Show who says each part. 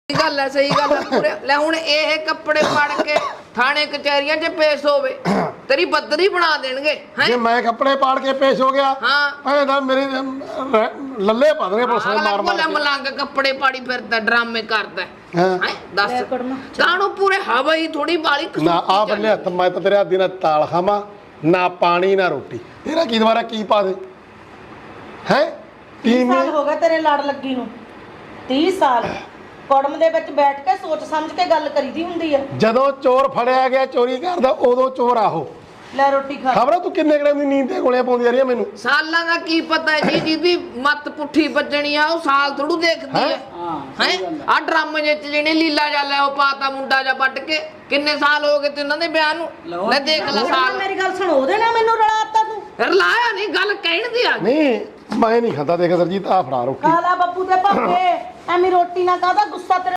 Speaker 1: ਗੱਲ ਹੈ ਸਹੀ ਗੱਲ ਹੈ ਪੂਰੇ ਲੈ ਹੁਣ ਇਹ ਕੱਪੜੇ ਪੜ ਕੇ ਥਾਣੇ ਕਚਹਿਰੀਆਂ 'ਚ ਪੇਸ਼ ਹੋਵੇ ਤੇਰੀ ਬੱਦਰੀ ਬਣਾ ਦੇਣਗੇ
Speaker 2: ਜੇ ਮੈਂ ਕੱਪੜੇ ਪਾੜ ਕੇ ਪੇਸ਼ ਹੋ ਗਿਆ
Speaker 1: ਹਾਂ
Speaker 2: ਐਦਾਂ ਮੇਰੇ ਲੱਲੇ ਪਾ ਦੇਣਗੇ ਪੁਲਿਸ ਨੇ ਮਾਰ ਮਾਰ ਕੇ
Speaker 1: ਮਲੰਗ ਕੱਪੜੇ ਪਾੜੀ ਫਿਰਦਾ ਡਰਾਮੇ ਕਰਦਾ
Speaker 2: ਹਾਂ
Speaker 1: ਦੱਸ ਕਾਹਨੂੰ ਪੂਰੇ ਹਵਾ ਹੀ ਥੋੜੀ ਬਾਲੀ
Speaker 2: ਨਾ ਆ ਬੱਲੇ ਹੱਥ ਮੈਂ ਤਾਂ ਤੇਰੇ ਹੱਥ ਦੀ ਨਾ ਤਾਲ ਖਾਵਾਂ ਨਾ ਪਾਣੀ ਨਾ ਰੋਟੀ ਤੇਰਾ ਕੀ ਦੁਬਾਰਾ ਕੀ ਪਾ ਦੇ ਹੈ
Speaker 3: 30 ਸਾਲ ਹੋ ਗਏ ਤੇਰੇ ਲੜ ਲੱਗੀ ਨੂੰ 30 ਸਾਲ ਕੁੜਮ ਦੇ ਵਿੱਚ ਬੈਠ ਕੇ ਸੋਚ ਸਮਝ ਕੇ ਗੱਲ ਕਰੀਦੀ ਹੁੰਦੀ ਆ
Speaker 2: ਜਦੋਂ ਚੋਰ ਫੜਿਆ ਗਿਆ ਚੋਰੀ ਕਰਦਾ ਉਦੋਂ ਚੋਰ ਆਹੋ
Speaker 3: ਲੈ ਰੋਟੀ ਖਾ
Speaker 2: ਖਬਰ ਤੂੰ ਕਿੰਨੇ ਗੜੇ ਦੀ ਨੀਂਦ ਤੇ ਗੋਲੀਆਂ ਪਾਉਂਦੀ ਆ ਰਹੀ ਮੈਨੂੰ
Speaker 1: ਸਾਲਾਂ ਦਾ ਕੀ ਪਤਾ ਹੈ ਜੀ ਜਿਹਦੀ ਮੱਤ ਪੁੱਠੀ ਵੱਜਣੀ ਆ ਉਹ ਸਾਲ ਥੋੜੂ ਦੇਖਦੀ ਹੈ ਹੈ ਆ ਡਰਾਮੇ ਜਿਹੇ ਚ ਜਿਹਨੇ ਲੀਲਾ ਜਾ ਲੈ ਉਹ ਪਾਤਾ ਮੁੰਡਾ ਜਾ ਵੱਟ ਕੇ ਕਿੰਨੇ ਸਾਲ ਹੋ ਗਏ ਤੇ ਉਹਨਾਂ ਦੇ ਵਿਆਹ ਨੂੰ ਲੈ ਦੇਖ ਲੈ ਸਾਲ
Speaker 3: ਮੇਰੀ ਗੱਲ ਸੁਣ ਉਹਦੇ ਨਾਲ ਮੈਨੂੰ ਰਲਾਤਾ ਤੂੰ
Speaker 1: ਫਿਰ ਲਾਇਆ ਨਹੀਂ ਗੱਲ ਕਹਿਣ ਦੀ ਆ
Speaker 2: ਨਹੀਂ ਮੈਂ ਨਹੀਂ ਖਾਂਦਾ ਦੇਖ ਸਰਜੀਤ ਆ ਫੜਾ ਰੋਟੀ
Speaker 3: ਖਾ ਲਾ ਬੱਬੂ ਦੇ ਭਾਪੇ ਐਵੇਂ ਰੋਟੀ ਨਾ ਕਾਹਦਾ ਗੁੱਸਾ ਤੇਰੇ